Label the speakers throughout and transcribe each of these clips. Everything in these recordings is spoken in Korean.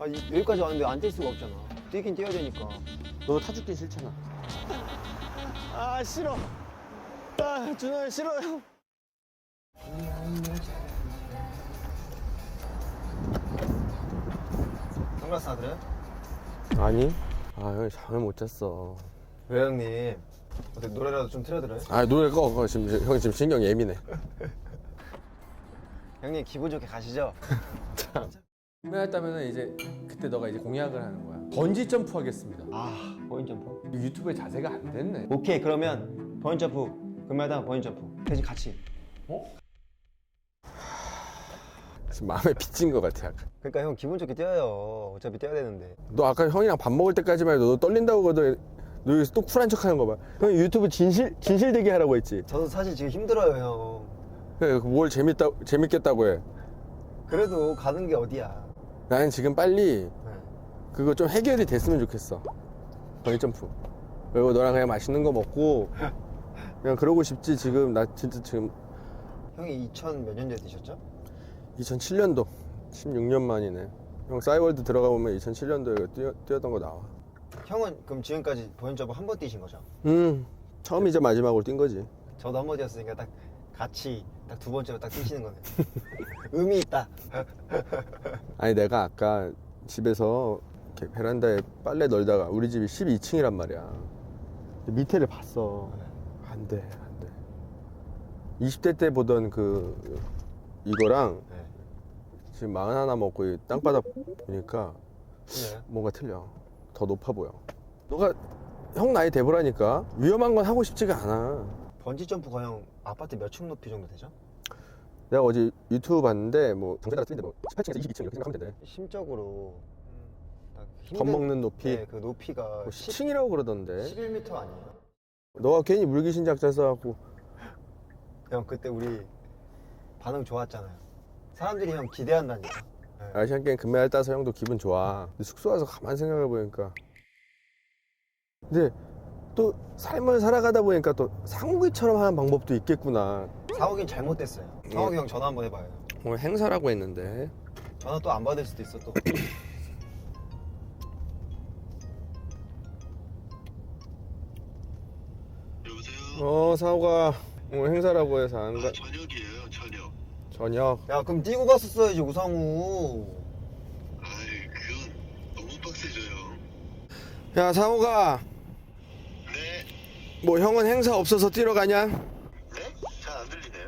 Speaker 1: 여기까지 왔는데 안 뛸 수가 없잖아. 뛰긴 뛰어야 되니까.
Speaker 2: 너 타죽긴 싫잖아.
Speaker 1: 아 싫어. 아 준호야 싫어요. 선글라스 사드려요?
Speaker 2: 아니. 아 형이 잠을 못 잤어.
Speaker 1: 왜 형님? 어떻게 노래라도 좀 틀어드려요?
Speaker 2: 아 노래 꺼. 지금 형이 지금 신경 예민해.
Speaker 1: 형님 기분 좋게 가시죠.
Speaker 2: 구매했다면 이제 그때 너가 이제 공약을 하는 거야. 번지 점프 하겠습니다.
Speaker 1: 아 버인 점프?
Speaker 2: 유튜브에 자세가 안 됐네.
Speaker 1: 오케이 그러면 버인 점프 금메달 버인 점프 대신 같이.
Speaker 2: 지금 마음에 빚진 것 같아 약간.
Speaker 1: 그러니까 형 기분 좋게 뛰어요. 어차피 뛰어야 되는데.
Speaker 2: 너 아까 형이랑 밥 먹을 때까지만 해도 너 떨린다고 그러더니 너 여기서 또 쿨한 척하는 거 봐. 형 유튜브 진실되게 하라고 했지.
Speaker 1: 저도 사실 지금 힘들어요 형.
Speaker 2: 그래 뭘 재밌겠다고 해.
Speaker 1: 그래도 가는 게 어디야.
Speaker 2: 나는 지금 빨리
Speaker 1: 네.
Speaker 2: 그거 좀 해결이 됐으면 좋겠어. 버니 점프. 그리고 너랑 그냥 맛있는 거 먹고 그냥 그러고 싶지. 지금 나 진짜 지금
Speaker 1: 형이 2000 몇 년도에 뛰셨죠?
Speaker 2: 2007년도 16년 만이네. 형 싸이월드 들어가 보면 2007년도에 뛰었던 거 나와.
Speaker 1: 형은 그럼 지금까지 버인 점프 한 번 뛰신 거죠?
Speaker 2: 처음이자 마지막으로 뛴 거지.
Speaker 1: 저도 한 번 뛰었으니까 딱 같이 딱 두 번째로 딱 뛰시는 거네. 의미 있다.
Speaker 2: 아니 내가 아까 집에서 이렇게 베란다에 빨래 널다가 우리 집이 12층이란 말이야. 밑에를 봤어. 안 돼. 20대 때 보던 그 이거랑
Speaker 1: 네.
Speaker 2: 지금 41 먹고 이 땅바닥 보니까
Speaker 1: 네.
Speaker 2: 뭔가 틀려. 더 높아 보여. 너가 형 나이 돼보라니까. 위험한 건 하고 싶지가 않아.
Speaker 1: 번지 점프가 형 아파트 몇 층 높이 정도 되죠?
Speaker 2: 내가 어제 유튜브 봤는데 뭐 정세가 쓰는데 뭐 18층에서 22층 이렇게 생각하면 된대.
Speaker 1: 심적으로 딱
Speaker 2: 겁먹는 높이.
Speaker 1: 네, 그 높이가
Speaker 2: 뭐 10층이라고 그러던데.
Speaker 1: 11m 아니에요?
Speaker 2: 너가 괜히 물귀신 작전 써갖고
Speaker 1: 형 그때 우리 반응 좋았잖아요. 사람들이 형 기대한다니까. 네.
Speaker 2: 아시안 게임 금메달 따서 형도 기분 좋아. 근데 숙소 와서 가만 생각해 보니까 근데 또 삶을 살아가다 보니까 또 상욱이처럼 하는 방법도 있겠구나.
Speaker 1: 상욱이는 잘못됐어요. 상욱이 형 전화 한번 해봐요.
Speaker 2: 뭐 행사라고 했는데.
Speaker 1: 전화 또 안 받을 수도 있어 또.
Speaker 3: 여보세요?
Speaker 2: 상욱아 오늘 행사라고 해서 안 가.
Speaker 3: 저녁이에요, 저녁.
Speaker 2: 저녁.
Speaker 1: 야 그럼 뛰고 갔었어야지 우상우.
Speaker 3: 아이, 그건 너무 빡세져요.
Speaker 2: 야 상욱아
Speaker 3: 네?
Speaker 2: 뭐 형은 행사 없어서 뛰러 가냐?
Speaker 3: 네? 잘 안 들리네요.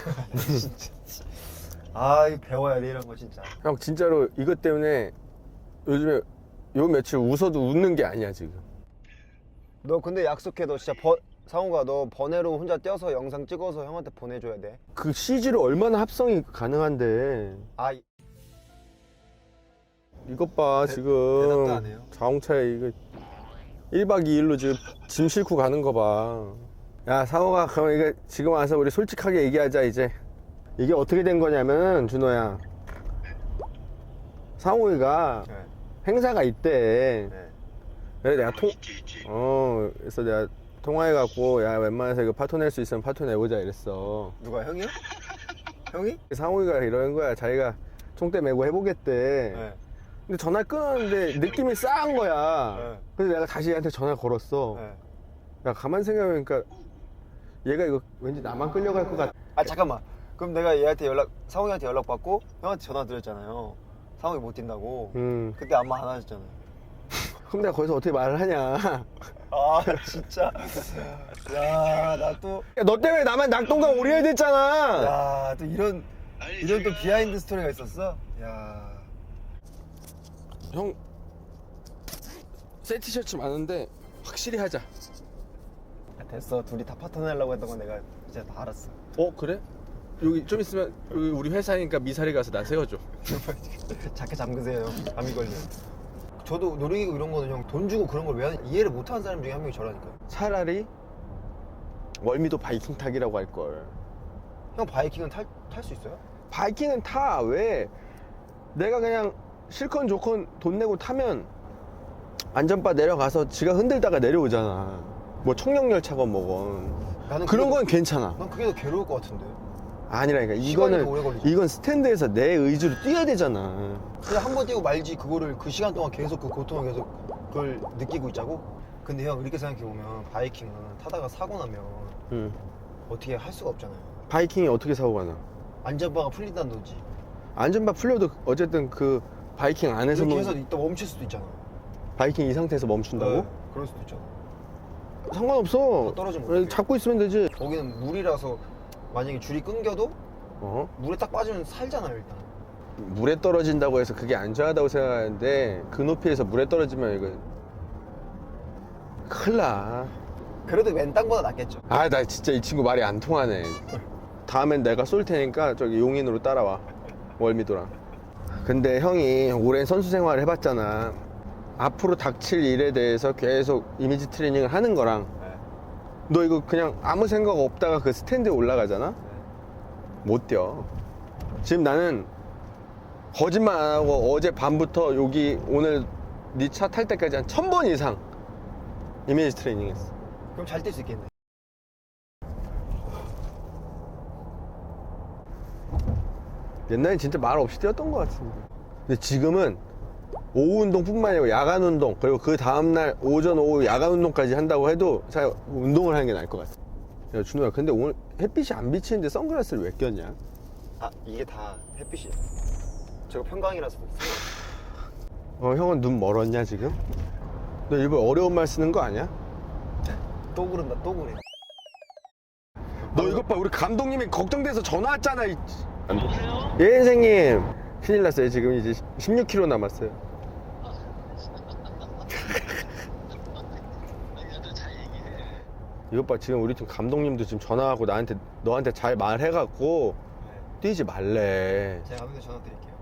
Speaker 1: 아 이거 배워야 돼 이런 거 진짜.
Speaker 2: 형 진짜로 이것 때문에 요즘에 요 며칠 웃어도 웃는 게 아니야 지금.
Speaker 1: 너 근데 약속해. 너 진짜 상우가 너 번외로 혼자 뛰어서 영상 찍어서 형한테 보내줘야 돼.
Speaker 2: 그 CG로 얼마나 합성이 가능한데.
Speaker 1: 아
Speaker 2: 이것 봐 지금
Speaker 1: 대답도 안 해요?
Speaker 2: 자동차에 이거 1박 2일로 지금 짐 싣고 가는 거 봐. 야 상호가 그럼 이거 지금 와서 우리 솔직하게 얘기하자. 이제 이게 어떻게 된 거냐면 준호야, 상호이가
Speaker 1: 네.
Speaker 2: 행사가 있대.
Speaker 1: 네.
Speaker 2: 그래서 내가
Speaker 3: 있지.
Speaker 2: 그래서 내가 통화해갖고 야 웬만해서 이거 파토 낼 수 있으면 파토 내보자 이랬어.
Speaker 1: 누가 형이요? 형이?
Speaker 2: 상호이가 이러는 거야. 자기가 총대 메고 해보겠대.
Speaker 1: 네.
Speaker 2: 근데 전화 끊었는데 느낌이 싸한 거야.
Speaker 1: 네.
Speaker 2: 그래서 내가 다시 얘한테 전화 걸었어.
Speaker 1: 네.
Speaker 2: 야 가만 생각해보니까 얘가 이거 왠지 나만 끌려갈 것 같아.
Speaker 1: 아 잠깐만. 그럼 내가 얘한테 상욱이한테 연락 받고 형한테 전화 드렸잖아요. 상욱이 못 뛴다고. 그때 아무 안 하셨잖아요.
Speaker 2: 그럼 내가 거기서 어떻게 말을 하냐.
Speaker 1: 아 진짜. 야 나 또.
Speaker 2: 야, 너 때문에 나만 낙동강 오리알 됐잖아.
Speaker 1: 야 또 이런
Speaker 3: 아니,
Speaker 1: 또
Speaker 3: 제가-
Speaker 1: 비하인드 스토리가 있었어? 야.
Speaker 2: 형 새 티셔츠 많은데 확실히 하자.
Speaker 1: 야, 됐어. 둘이 다 파토 내려고 했던 건 내가 이제 다 알았어.
Speaker 2: 그래? 여기 좀 있으면 여기 우리 회사니까 미사리 가서 나 세워줘.
Speaker 1: 자켓 잠그세요. 감이 걸려. 저도 놀이기구 이런 거는 형 돈 주고 그런 걸 왜 이해를 못하는 사람 중에 한 명이 저라니까요.
Speaker 2: 차라리 월미도 바이킹 타기라고 할걸.
Speaker 1: 형 바이킹은 탈 수 있어요?
Speaker 2: 바이킹은 타. 왜? 내가 그냥 실컷 좋건 돈 내고 타면 안전바 내려가서 지가 흔들다가 내려오잖아. 뭐 청룡열차건 뭐건.
Speaker 1: 나는
Speaker 2: 그런
Speaker 1: 그게
Speaker 2: 건 괜찮아.
Speaker 1: 난 그게 더 괴로울 것 같은데.
Speaker 2: 아니라니까
Speaker 1: 시간이
Speaker 2: 이거는
Speaker 1: 더 오래 걸리죠.
Speaker 2: 이건 스탠드에서 내 의지로 뛰어야 되잖아.
Speaker 1: 그냥 한 번 뛰고 말지 그거를 그 시간 동안 계속 그 고통을 계속 그걸 느끼고 있자고? 근데 형 이렇게 생각해보면 바이킹은 타다가 사고 나면
Speaker 2: 응.
Speaker 1: 어떻게 할 수가 없잖아요.
Speaker 2: 바이킹이 어떻게 사고가 나?
Speaker 1: 안전바가 풀린다든지
Speaker 2: 안전바 풀려도 어쨌든 그 바이킹 안에서
Speaker 1: 이렇게 해서 이따 멈출 수도 있잖아.
Speaker 2: 바이킹 이 상태에서 멈춘다고?
Speaker 1: 네, 그럴 수도 있잖아.
Speaker 2: 상관없어.
Speaker 1: 다 떨어지면
Speaker 2: 그래,
Speaker 1: 어떡해.
Speaker 2: 잡고 있으면 되지.
Speaker 1: 거기는 물이라서 만약에 줄이 끊겨도
Speaker 2: 어?
Speaker 1: 물에 딱 빠지면 살잖아요 일단.
Speaker 2: 물에 떨어진다고 해서 그게 안전하다고 생각하는데 그 높이에서 물에 떨어지면 이거 큰일 나.
Speaker 1: 그래도 맨땅보다 낫겠죠.
Speaker 2: 아, 나 진짜 이 친구 말이 안 통하네. 다음엔 내가 쏠 테니까 저기 용인으로 따라와. 월미도랑. 근데 형이 오랜 선수 생활을 해봤잖아. 앞으로 닥칠 일에 대해서 계속 이미지 트레이닝을 하는 거랑
Speaker 1: 네.
Speaker 2: 너 이거 그냥 아무 생각 없다가 그 스탠드에 올라가잖아?
Speaker 1: 네.
Speaker 2: 못 뛰어. 지금 나는 거짓말 안 하고 어제 밤부터 여기 오늘 네 차 탈 때까지 한 1000번 이상 이미지 트레이닝 했어.
Speaker 1: 그럼 잘 뛸 수 있겠네.
Speaker 2: 옛날엔 진짜 말 없이 뛰었던 것 같은데. 근데 지금은 오후 운동뿐만 아니고 야간 운동, 그리고 그 다음날 오전 오후 야간 운동까지 한다고 해도 잘 운동을 하는 게 나을 것 같아. 야 준호야, 근데 오늘 햇빛이 안 비치는데 선글라스를 왜 꼈냐?
Speaker 1: 아 이게 다 햇빛이에요. 제가 평강이라서
Speaker 2: 형은 눈 멀었냐 지금? 너 일부러 어려운 말 쓰는 거 아니야?
Speaker 1: 또 그런다 또 그래.
Speaker 2: 너 이것 봐, 우리 감독님이 걱정돼서 전화 왔잖아. 예 선생님, 큰일 났어요. 지금 이제 16km 남았어요. 이것 봐, 지금 우리 팀 감독님도 지금 전화하고 너한테 잘 말해갖고 뛰지 말래.
Speaker 1: 제가 감독님 전화 드릴게요.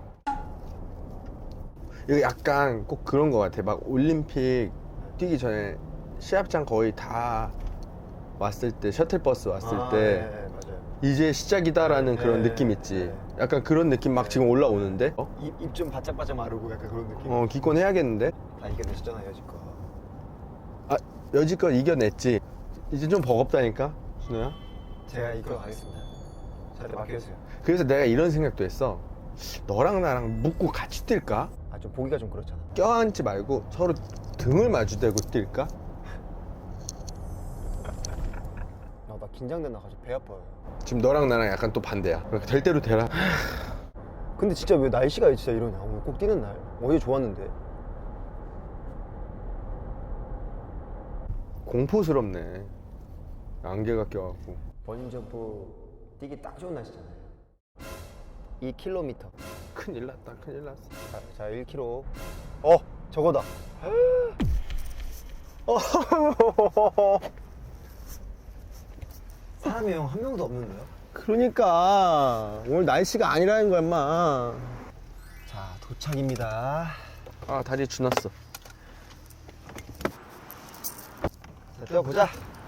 Speaker 2: 이거 약간 꼭 그런 거 같아. 막 올림픽 뛰기 전에 시합장 거의 다 왔을 때, 셔틀버스 왔을 때
Speaker 1: 네, 맞아요.
Speaker 2: 이제 시작이다라는
Speaker 1: 네,
Speaker 2: 그런
Speaker 1: 네,
Speaker 2: 느낌 있지.
Speaker 1: 네.
Speaker 2: 약간 그런 느낌 막 지금 올라오는데?
Speaker 1: 입 좀 바짝바짝 마르고 약간 그런 느낌.
Speaker 2: 기권해야겠는데?
Speaker 1: 다 이겨내셨잖아요 여지껏.
Speaker 2: 아, 여지껏 이겨냈지. 이제 좀 버겁다니까, 준호야?
Speaker 1: 제가 이끌어 가겠습니다. 저한테 맡겨주세요.
Speaker 2: 그래서 내가 이런 생각도 했어. 너랑 나랑 묶고 같이 뛸까?
Speaker 1: 아 좀 보기가 좀 그렇잖아.
Speaker 2: 껴안지 말고 서로 등을 마주대고 뛸까?
Speaker 1: 나 긴장된다 가지고 배 아파요.
Speaker 2: 지금 너랑 나랑 약간 또 반대야. 그러니까 될 대로 되라.
Speaker 1: 근데 진짜 왜 날씨가 진짜 이러냐. 오늘 꼭 뛰는 날. 어제 좋았는데.
Speaker 2: 공포스럽네. 안개가 껴갖고.
Speaker 1: 번지점프 뛰기 딱 좋은 날씨잖아요. 2km.
Speaker 2: 큰일 났다, 큰일 났어.
Speaker 1: 자 1km. 저거다. 사람이 형 한 명도 없는데요?
Speaker 2: 그러니까 오늘 날씨가 아니라는 거야, 인마.
Speaker 1: 자 도착입니다.
Speaker 2: 아, 다리에 주났어.
Speaker 1: 자 뛰어보자.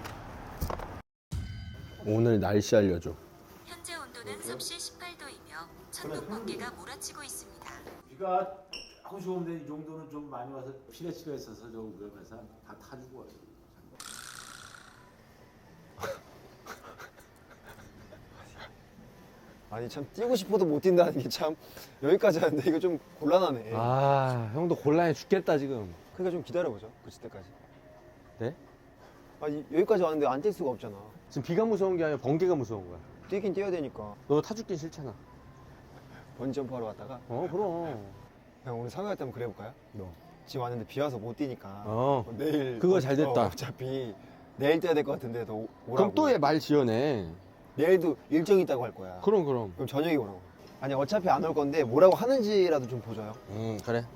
Speaker 2: 오늘 날씨 알려줘.
Speaker 4: 현재 온도는 섭씨 18도이며 천둥 번개가 몰아치고 있습니다.
Speaker 5: 비가 하고 좋은데 이 정도는 좀 많이 와서 피레치가 있어서 좀 위험해서 다 타주고 와요.
Speaker 1: 아니 참 뛰고 싶어도 못 뛴다는 게 참 여기까지 하는데 이거 좀 곤란하네.
Speaker 2: 아, 형도 곤란해 죽겠다 지금.
Speaker 1: 그러니까 좀 기다려보죠. 그칠 때까지.
Speaker 2: 네?
Speaker 1: 아니 여기까지 왔는데 안 뛸 수가 없잖아.
Speaker 2: 지금 비가 무서운 게 아니라 번개가 무서운 거야.
Speaker 1: 뛰긴 뛰어야 되니까.
Speaker 2: 너 타죽긴 싫잖아.
Speaker 1: 번지점프 하러 왔다가
Speaker 2: 그럼.
Speaker 1: 형 오늘 상의할 때 한번 그래볼까요?
Speaker 2: 너.
Speaker 1: 지금 왔는데 비 와서 못 뛰니까 내일
Speaker 2: 그거 잘 됐다.
Speaker 1: 어차피 내일 뛰어야 될 것 같은데 너 오라고.
Speaker 2: 그럼 또 얘 말 지어내.
Speaker 1: 내일도 일정이 있다고 할 거야.
Speaker 2: 그럼.
Speaker 1: 그럼 저녁에 오라고. 아니 어차피 안 올 건데 뭐라고 하는지라도 좀 보죠요.
Speaker 2: 그래.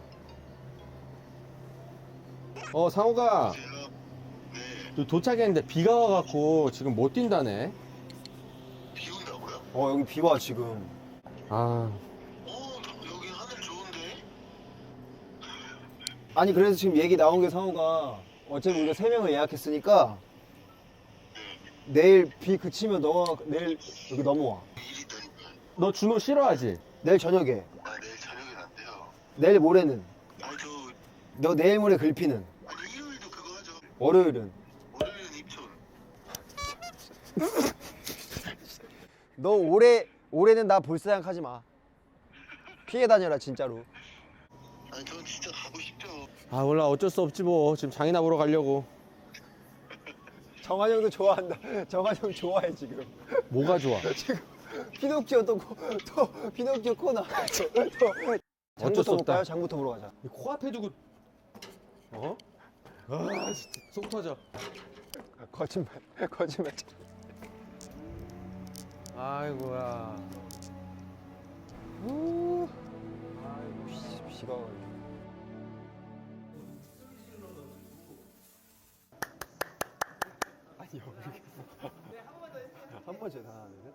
Speaker 2: 상호가
Speaker 3: 네.
Speaker 2: 도착했는데 비가 와갖고 지금 못 뛴다네.
Speaker 3: 비 온다고요?
Speaker 1: 여기 비 와 지금.
Speaker 2: 아,
Speaker 3: 여기 하늘 좋은데?
Speaker 1: 아니 그래서 지금 얘기 나온 게 상호가 어차피 우리가 3명을 예약했으니까 내일 비 그치면 너가 내일 여기 넘어와.
Speaker 3: 일이 있다니까.
Speaker 2: 너 준호 싫어하지?
Speaker 1: 내일 저녁에.
Speaker 3: 내일 저녁엔 안 돼요.
Speaker 1: 내일 모레는.
Speaker 3: 저
Speaker 1: 너 내일 모레 글피는.
Speaker 3: 일요일도 그거 하죠.
Speaker 1: 월요일은.
Speaker 3: 월요일은 입촌.
Speaker 1: 너 올해는 나 볼 생각하지 마. 피해 다녀라 진짜로.
Speaker 3: 아니 전 진짜 가고 싶죠.
Speaker 2: 아 몰라 어쩔 수 없지 뭐 지금 장이나 보러 가려고.
Speaker 1: 정한형도 좋아한다. 정한형 좋아해 지금.
Speaker 2: 뭐가 좋아?
Speaker 1: 지금 피노키오 또 피노키오 코너. 또
Speaker 2: 어쩔 수
Speaker 1: 장부터
Speaker 2: 없다.
Speaker 1: 볼까요? 장부터 보러 가자.
Speaker 2: 코앞에 두고 어? 아 진짜 속 터져.
Speaker 1: 거짓말.
Speaker 2: 아이고야.
Speaker 1: 아이고 비가 와가지고. 아니요. 한 번째 다 하는데.